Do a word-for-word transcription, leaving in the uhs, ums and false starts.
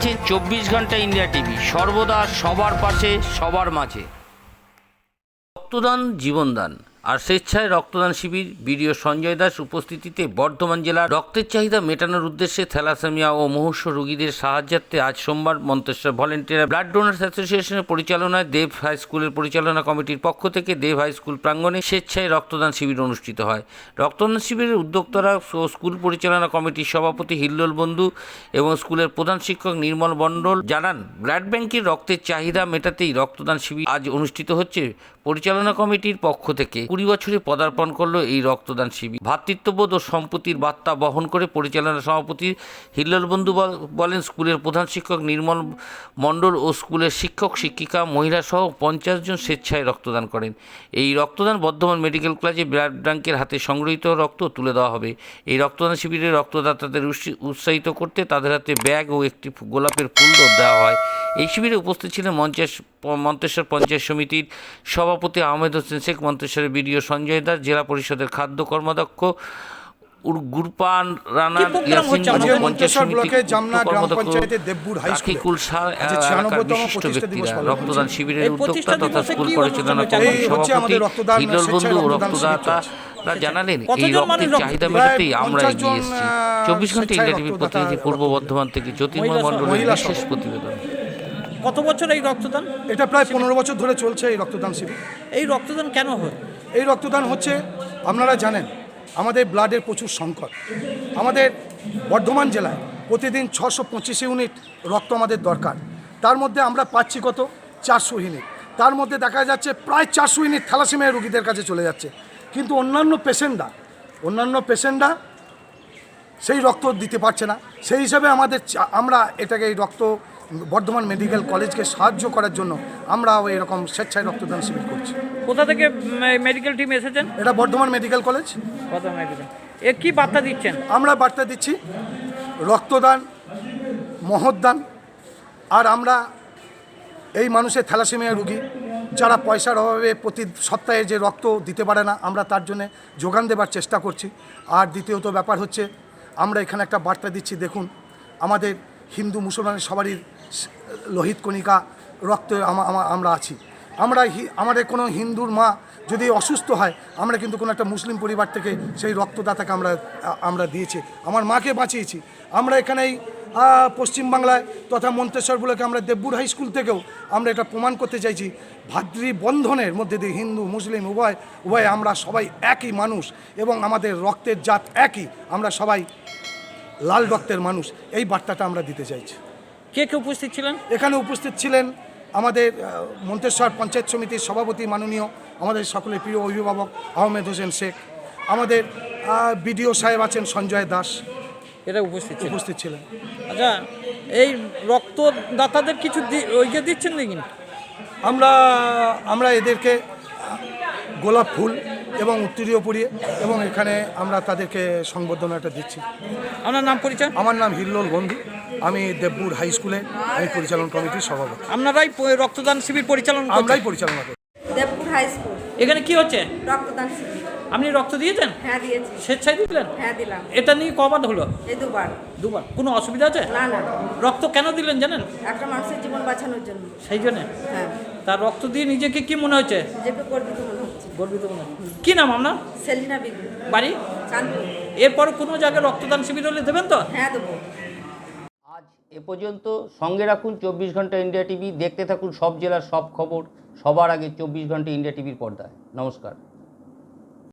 দেখছেন চব্বিশ ঘন্টা ইন্ডিয়া টিভি, সর্বদা সবার পাশে, সবার মাঝে। রক্তদান জীবনদান আর স্বেচ্ছায় রক্তদান শিবির। বিডিও সঞ্জয় দাস উপস্থিতিতে বর্ধমান জেলার রক্তের চাহিদা মেটানোর উদ্দেশ্যে থ্যালাসেমিয়া ও মুমূর্ষু রোগীদের সাহায্যার্থে আজ সোমবার মন্তেশ্বর ভলেন্টিয়ার ব্লাড ডোনার্স অ্যাসোসিয়েশনের পরিচালনায় দেব হাই স্কুলের পরিচালনা কমিটির পক্ষ থেকে দেব হাই স্কুল প্রাঙ্গণে স্বেচ্ছায় রক্তদান শিবির অনুষ্ঠিত হয়। রক্তদান শিবিরের উদ্যোক্তারা ও স্কুল পরিচালনা কমিটির সভাপতি হিল্লোল বন্ধু এবং স্কুলের প্রধান শিক্ষক নির্মল মণ্ডল জানান, ব্লাড ব্যাংকের রক্তের চাহিদা মেটাতেই রক্তদান শিবির আজ অনুষ্ঠিত হচ্ছে। পরিচালনা কমিটির পক্ষ থেকে কুড়ি বছরে পদার্পণ করলো এই রক্তদান শিবির। ভ্রাতৃত্ববোধ ও সম্প্রীতির বার্তা বহন করে পরিচালনা সভাপতি হিল্লোল বন্ধু বলেন, স্কুলের প্রধান শিক্ষক নির্মল মণ্ডল ও স্কুলের শিক্ষক শিক্ষিকা মহিলা সহ পঞ্চাশ জন স্বেচ্ছায় রক্তদান করেন। এই রক্তদান বর্ধমান মেডিকেল কলেজে ব্লাড ব্যাংকের হাতে সংগৃহীত রক্ত তুলে দেওয়া হবে। এই রক্তদান শিবিরে রক্তদাতাদের উৎসাহিত করতে তাদের হাতে ব্যাগ ও একটি গোলাপের ফুল দেওয়া হয়। এই শিবিরে উপস্থিত ছিলেন মন্তেশ্বর পঞ্চায়েত সমিতির সভাপতি আহমেদ হোসেন শেখ, মন্তেশ্বরের বিডিও সঞ্জয় দাস, জেলা পরিষদের খাদ্য কর্মাধ্যক্ষ গুরপান রানা, পঞ্চায়েত সমিতির বিশিষ্ট ব্যক্তিরা। রক্তদান শিবিরের উদ্যোক্তা তথা স্কুল পরিচালনা কমিটির সভাপতি হিল্লোল বন্ধু ও রক্তদাতা জানালেন, এই রক্তের চাহিদা মেটাতেই আমরা এগিয়ে এসেছি। চব্বিশ ঘন্টা ইন্ডিয়া টিভির প্রতিনিধি পূর্ব বর্ধমান থেকে জ্যোতির্ময় মণ্ডলের বিশেষ প্রতিবেদন। কত বছর এই রক্তদান? এটা প্রায় পনেরো বছর ধরে চলছে এই রক্তদান শিবির। এই রক্তদান কেন হয়? এই রক্তদান হচ্ছে, আপনারা জানেন আমাদের ব্লাডের প্রচুর সংকট। আমাদের বর্ধমান জেলায় প্রতিদিন ছশো পঁচিশ ইউনিট রক্ত আমাদের দরকার। তার মধ্যে আমরা পাচ্ছি কত? চারশো ইউনিট। তার মধ্যে দেখা যাচ্ছে প্রায় চারশো ইউনিট থ্যালাসেমিয়া রোগীদের কাছে চলে যাচ্ছে। কিন্তু অন্যান্য পেশেন্টরা অন্যান্য পেশেন্টরা সেই রক্ত দিতে পারছে না। সেই হিসাবে আমাদের আমরা এটাকে এই রক্ত বর্ধমান মেডিকেল কলেজকে সাহায্য করার জন্য আমরা এরকম স্বেচ্ছায় রক্তদান শিবির করছি। কোথা থেকে মেডিকেল টিম এসেছেন? এটা Bardhaman medical college. Bardhaman medical. এ কি বার্তা দিচ্ছেন? আমরা বার্তা দিচ্ছি রক্তদান মহৎদান। আর আমরা এই মানুষের থ্যালাসেমিয়া রোগী যারা পয়সার অভাবে প্রতি সপ্তাহে যে রক্ত দিতে পারে না, আমরা তার জন্য যোগান দেবার চেষ্টা করছি। আর দ্বিতীয়ত ব্যাপার হচ্ছে, আমরা এখানে একটা বার্তা দিচ্ছি, দেখুন আমাদের হিন্দু মুসলমানের সবারই লোহিত কণিকা রক্তে আমরা আছি। আমরা আমাদের কোনো হিন্দুর মা যদি অসুস্থ হয়, আমরা কিন্তু কোনো একটা মুসলিম পরিবার থেকে সেই রক্তদাতাকে আমরা আমরা দিয়েছি, আমার মাকে বাঁচিয়েছি। আমরা এখানেই পশ্চিমবাংলায় তথা মন্তেশ্বর ব্লকে আমরা দেবপুর হাই স্কুল থেকেও আমরা এটা প্রমাণ করতে চাইছি, ভাতৃবন্ধনের মধ্যে দিয়ে হিন্দু মুসলিম উভয় উভয় আমরা সবাই একই মানুষ এবং আমাদের রক্তের জাত একই, আমরা সবাই লাল রক্তের মানুষ। এই বার্তাটা আমরা দিতে চাইছি। কে কে উপস্থিত ছিলেন? এখানে উপস্থিত ছিলেন আমাদের মন্তেশ্বর পঞ্চায়েত সমিতির সভাপতি মাননীয় আমাদের সকলের প্রিয় অভিভাবক আহমেদ হোসেন শেখ, আমাদের বিডিও সাহেব আছেন সঞ্জয় দাস, এরা উপস্থিত উপস্থিত ছিলেন। আচ্ছা, এই রক্তদাতাদের কিছু ওইকে দিচ্ছেন নাকি? আমরা আমরা এদেরকে গোলাপ ফুল এবং উত্তরীয় পরিয়ে এবং এখানে আমরা তাদেরকে সংবর্ধনাটা দিচ্ছি। আপনার নাম পরিচয়? আমার নাম হিল্লোল বন্ধু, আমি দেবপুর হাই স্কুলে আমি পরিচালন কমিটির সভাপতি। আপনারাই রক্তদান শিবির পরিচালনা? আমরাই পরিচালনা করি। Debpur high school. এখানে কি হচ্ছে? রক্তদান শিবির। আপনি রক্ত দিয়েছেন? হ্যাঁ দিয়েছি। স্বেচ্ছায় দিলেন? হ্যাঁ দিলাম। এটা নিয়ে কবার হলো? এই দুবার। দুবার? কোনো অসুবিধা আছে? না না। রক্ত কেন দিলেন জানেন? একটা মানুষের জীবন বাঁচানোর জন্য। সেই জন্য? হ্যাঁ। তার রক্ত দিয়ে নিজেকে কি মনে হচ্ছে? নিজেকে গর্বিত মনে হচ্ছে। গর্বিত মনে হচ্ছে। কি নাম আপনার? সেলিনা বিবি। বাড়ি? চাঁদপুর। এরপর কোনো জায়গায় রক্তদান শিবির হলে দেবেন তো? হ্যাঁ দেবো। আজ এ পর্যন্ত। সঙ্গে রাখুন চব্বিশ ঘন্টা ইন্ডিয়া টিভি, দেখতে থাকুন সব জেলার সব খবর সবার আগে চব্বিশ ঘন্টা ইন্ডিয়া টিভির পর্দায়। নমস্কার।